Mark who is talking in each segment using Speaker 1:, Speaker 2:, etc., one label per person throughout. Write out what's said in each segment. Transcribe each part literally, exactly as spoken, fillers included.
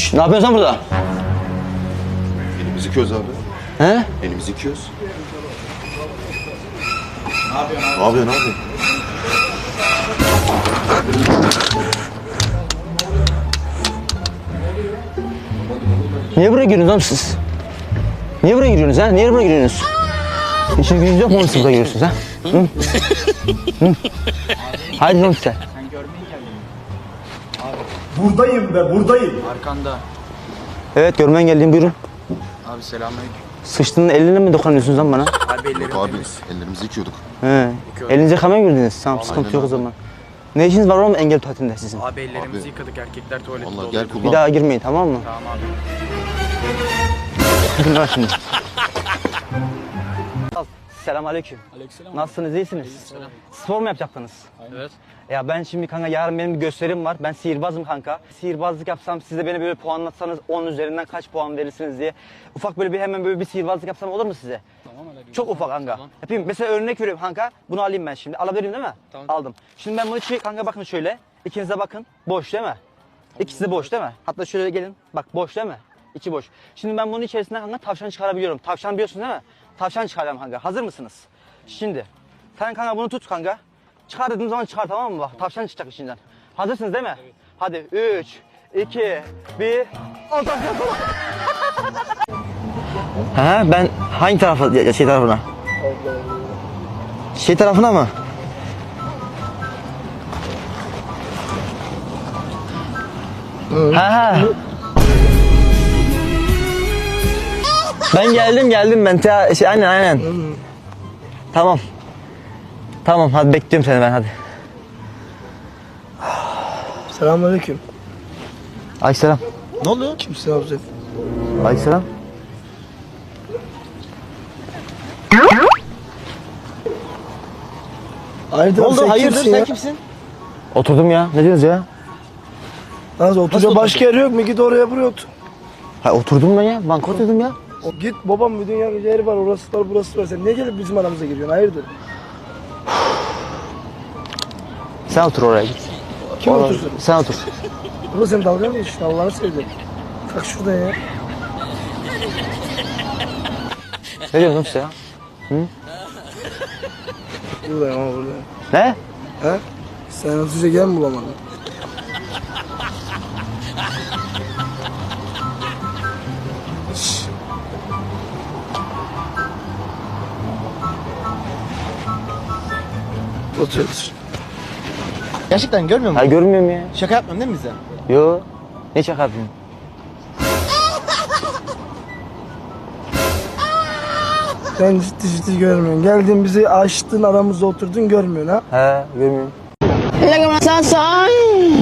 Speaker 1: Şşş, ne yapıyorsun sen burada?
Speaker 2: Elimizi yıkıyoruz abi.
Speaker 1: He?
Speaker 2: Elimizi yıkıyoruz. Ne yapıyorsun abi? Ne yapıyorsun abi?
Speaker 1: Niye buraya giriyorsunuz oğlum siz? Niye buraya giriyorsunuz ha? Niye buraya giriyorsunuz? İşin gücünüz yok mu siz buraya giriyorsunuz ha? Hı? Hı? Haydi oğlum size.
Speaker 3: Buradayım be, buradayım.
Speaker 4: Arkanda.
Speaker 1: Evet, görmen geldiğim, buyurun.
Speaker 4: Abi selamünaleyküm.
Speaker 1: Sıçtığının eline mi dokunuyorsunuz lan bana?
Speaker 4: Abi ellerim
Speaker 2: Yok abi
Speaker 4: temiz.
Speaker 2: ellerimizi yıkıyorduk.
Speaker 1: He. Elinize hemen girdiniz. Tamam, sıkıntı
Speaker 2: Aynen
Speaker 1: yok o
Speaker 2: abi.
Speaker 1: zaman. Ne işiniz var oğlum engel tatilinde sizin?
Speaker 4: Abi ellerimizi
Speaker 2: Abi.
Speaker 4: yıkadık, erkekler tuvalette
Speaker 2: Vallahi
Speaker 4: doluydu.
Speaker 2: gel kullan.
Speaker 1: Bir daha girmeyin, tamam mı?
Speaker 4: Tamam abi.
Speaker 1: Gidin şimdi. Selamünaleyküm.
Speaker 4: Aleykümselam.
Speaker 1: Nasılsınız, iyisiniz?
Speaker 4: Aleykümselam.
Speaker 1: Spor mu yapacaktınız?
Speaker 4: Evet.
Speaker 1: Ya ben şimdi kanka yarın benim bir gösterim var. Ben sihirbazım kanka. Sihirbazlık yapsam siz de beni böyle puanlatsanız on üzerinden kaç puan verirsiniz diye. Ufak böyle bir hemen böyle bir sihirbazlık yapsam olur mu size?
Speaker 4: Tamam hadi.
Speaker 1: Çok ufak kanka.
Speaker 4: Tamam.
Speaker 1: Yapayım. Mesela örnek veriyorum kanka. Bunu alayım ben şimdi. Alabilirim değil mi?
Speaker 4: Tamam.
Speaker 1: Aldım. Şimdi ben bunu çi- kanka bakın şöyle. İkiniz de bakın. Boş değil mi? İkisi de boş değil mi? Hatta şöyle gelin. Bak boş değil mi? İçi boş. Şimdi ben bunun içerisinden kanka tavşan çıkarabiliyorum. Tavşan biliyorsun değil mi? Tavşan çıkaracağım kanka. Hazır mısınız? Şimdi. Sen kanka bunu tut kanka. Çıkar dediğim zaman çıkar, tamam mı? Bak tavşan çıkacak içinden. Hazırsınız değil mi? Evet. Hadi üç, iki, bir. Al tavşan. Ha ben hangi tarafa, ya şey tarafına? Şey tarafına mı? Ha ha. Ben geldim geldim ben. Ta, şey, aynen aynen. Tamam. Tamam hadi bekliyorum seni ben hadi.
Speaker 3: Selamünaleyküm.
Speaker 1: Aleykümselam.
Speaker 3: Ne oluyor? Kimsin abi?
Speaker 1: Aleykümselam.
Speaker 3: Hayırdır?
Speaker 1: Ne oldu?
Speaker 3: Sen
Speaker 1: Hayırdır?
Speaker 3: kimsin
Speaker 1: Sen
Speaker 3: ya?
Speaker 1: kimsin? Oturdum ya. Ne diyorsunuz ya?
Speaker 3: Nasıl oturacak başka yer yok mu? Git oraya buraya otur.
Speaker 1: Ha oturdum ben ya. Banka oturdum ya.
Speaker 3: O, git babam bir dünya yeri var, orası var, burası var. Sen niye gelip bizim aramıza giriyorsun? Hayırdır?
Speaker 1: Sen otur oraya git.
Speaker 3: Kim
Speaker 1: Oraya-
Speaker 3: otursun?
Speaker 1: Sen otur.
Speaker 3: Ulan sen dalga mı geçiyorsun? Allah'ını sevdim. Kalk şuradan ya.
Speaker 1: Ne diyorsun işte ya?
Speaker 3: Buradayım ama buradayım.
Speaker 1: Ne?
Speaker 3: He? Sen oturacak yer mi bulamadın? Şşş. Otur otur.
Speaker 5: Gerçekten görmüyor
Speaker 1: Ha
Speaker 5: musun?
Speaker 1: görmüyorum ya.
Speaker 5: Şaka yapmıyorsun değil mi bize?
Speaker 1: Yo. Ne şaka yapıyorsun?
Speaker 3: Sen ciddi ciddi görmüyorsun. Geldin bizi açtın, aramızda oturdun, görmüyorsun ha?
Speaker 1: He görmüyorum.
Speaker 6: Lagi merasasai.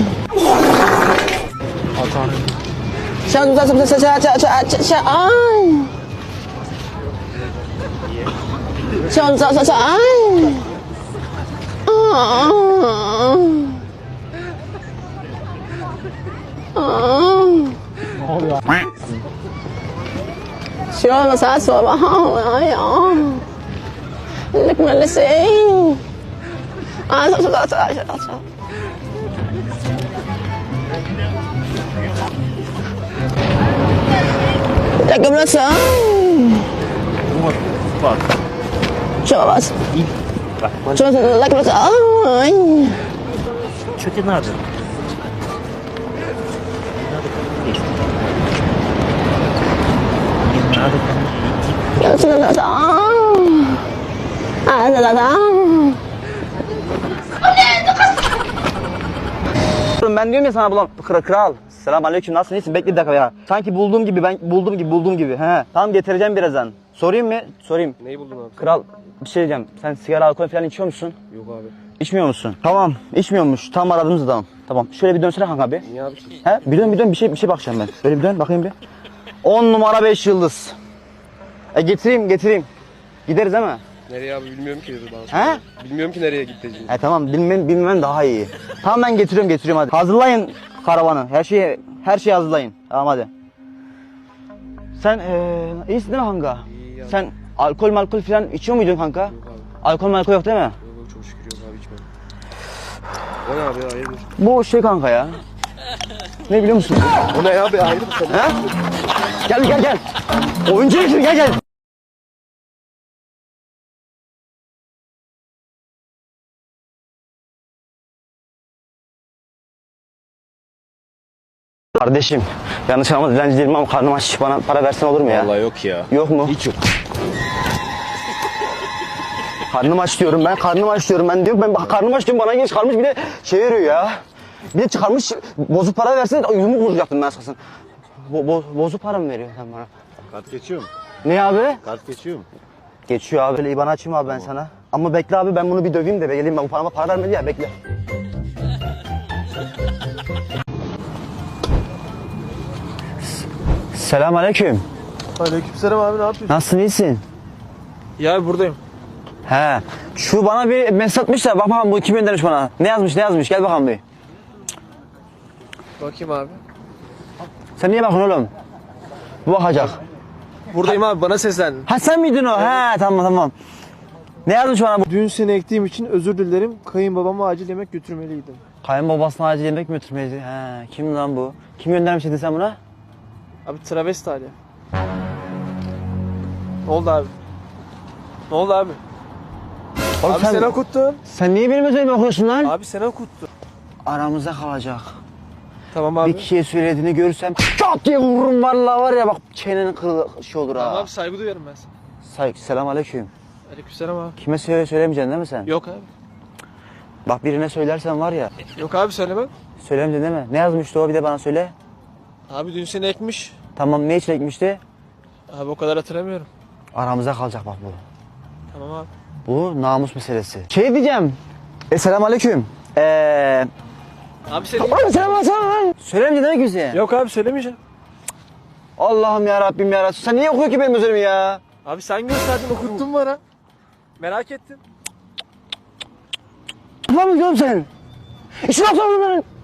Speaker 6: Siapa siapa siapa siapa siapa siapa ai. Siapa siapa siapa ai. Siapa siapa siapa ai. Lagi merasai. Ah, siapa siapa siapa siapa. Lagi belakang. Coba mas. Coba lagi belakang.
Speaker 5: Çöke nerede?
Speaker 6: Yang sudah datang. Ah, sudah datang.
Speaker 1: Ben diyorum ya sana bulan kral. kral. Selamünaleyküm. Nasılsın? İyisin? Bekle bir dakika ya. Sanki bulduğum gibi, ben bulduğum gibi bulduğum gibi. He. Tamam getireceğim birazdan. Sorayım mı? Sorayım.
Speaker 7: Neyi buldun abi?
Speaker 1: Kral bir şey diyeceğim. Sen sigara, alkol falan içiyor musun?
Speaker 7: Yok abi.
Speaker 1: İçmiyor musun? Tamam. İçmiyormuş. Tam aradığımız adam. Tamam. Şöyle bir dönsene kanka bir.
Speaker 7: Niye abi ki?
Speaker 1: He? Bir dön bir dön bir şey bir şey bakacağım ben. Böyle bir dön bakayım bir. on numara beş yıldız. E getireyim getireyim. Gideriz değil mi?
Speaker 7: Nereye abi bilmiyorum ki dedi bana.
Speaker 1: He?
Speaker 7: Bilmiyorum ki nereye gideceğini.
Speaker 1: E tamam bilmem bilmem daha iyi. Tamam ben getiriyorum getiriyorum hadi. Hazırlayın karavanı. Her şeyi her şeyi hazırlayın. Tamam hadi. Sen ee, iyisin değil mi kanka?
Speaker 7: İyi ya.
Speaker 1: Sen alkol malkol falan içiyor muydun kanka?
Speaker 7: Yok abi.
Speaker 1: Alkol malkol yok değil mi?
Speaker 7: Yok yok çok şükür yok abi içmem. O ne abi ya hayırdır?
Speaker 1: Bu şey kanka ya. Ne biliyor musun?
Speaker 7: O ne abi ayrı bir konu.
Speaker 1: Ha? Gel gel gel. Oyuncu için gel gel. Kardeşim, yanlış anlama dilenci değilim ama karnım aç. Bana para versen olur mu ya?
Speaker 7: Vallahi yok ya.
Speaker 1: Yok mu?
Speaker 7: Hiç yok.
Speaker 1: Karnım aç diyorum ben, karnım aç diyorum ben diyorum. Ben bak karnım aç diyorum, bana geç çıkarmış bir de şey veriyor ya. Bir de çıkarmış, bozuk para versin, yüzümü vuracaktım ben sakın. Bo bo bozuk para mı veriyor sen bana?
Speaker 7: Kart geçiyor mu?
Speaker 1: Ne abi?
Speaker 7: Kart geçiyor mu?
Speaker 1: Geçiyor abi. Böyle İban açayım abi ben sana. Ama bekle abi, ben bunu bir döveyim de be. Geleyim ben, bu parama para vermedi ya, bekle. Selamünaleyküm.
Speaker 3: Aleykümselam abi, ne yapıyorsun?
Speaker 1: Nasılsın, iyisin?
Speaker 3: Ya buradayım.
Speaker 1: He. Şu bana bir mesaj atmış da bak bakalım bu kim göndermiş bana. Ne yazmış ne yazmış, gel bakalım bir.
Speaker 3: Bakayım abi.
Speaker 1: Sen niye bakıyorsun oğlum? Bu bakacak.
Speaker 3: Buradayım abi, bana seslendin.
Speaker 1: Ha sen miydin o? He tamam tamam. Ne yazmış bana bu?
Speaker 3: Dün seni ektiğim için özür dilerim. Kayınbabama acil yemek götürmeliydim.
Speaker 1: Kayınbabasına acil yemek mi götürmeydi? He, kim lan bu? Kim göndermiş dedi sen buna?
Speaker 3: Abi travesti hali. Ne oldu abi? Ne oldu abi?
Speaker 1: Oğlum
Speaker 3: Abi
Speaker 1: sen,
Speaker 3: sen okuttun.
Speaker 1: sen niye benim özelimi okuyorsun lan?
Speaker 3: Abi sen okuttun.
Speaker 1: Aramızda kalacak.
Speaker 3: Tamam abi.
Speaker 1: Bir kişiye söylediğini görürsem çat diye vururum vallahi var ya, bak çenenin kırılı şey olur ha.
Speaker 3: Tamam abi, saygı duyuyorum ben sana.
Speaker 1: Saygı, selam aleyküm.
Speaker 3: Aleykümselam abi.
Speaker 1: Kime söyle söylemeyeceksin değil mi sen?
Speaker 3: Yok abi.
Speaker 1: Bak birine söylersen var ya,
Speaker 3: Yok abi, söylemem.
Speaker 1: söylemeyeceksin değil mi? Ne yazmıştı o, bir de bana söyle.
Speaker 3: Abi dün seni ekmiş.
Speaker 1: Tamam, ne için ekmişti?
Speaker 3: Abi o kadar hatırlamıyorum.
Speaker 1: Aramızda kalacak bak bu.
Speaker 3: Tamam abi.
Speaker 1: Bu namus meselesi. Şey diyeceğim. E selam aleyküm. Eee...
Speaker 3: Abi seni...
Speaker 1: Oğlum selam aleyküm. Söylemeyeceksin değil mi kimseye?
Speaker 3: Yok abi, söylemeyeceğim.
Speaker 1: Allah'ım ya Rabbim ya. Sen niye okuyor ki benim özelimi ya?
Speaker 3: Abi sen gösterdin, okuttun bana. Merak ettim.
Speaker 1: Ulan mı diyorum sen? İşin yapsana bunların.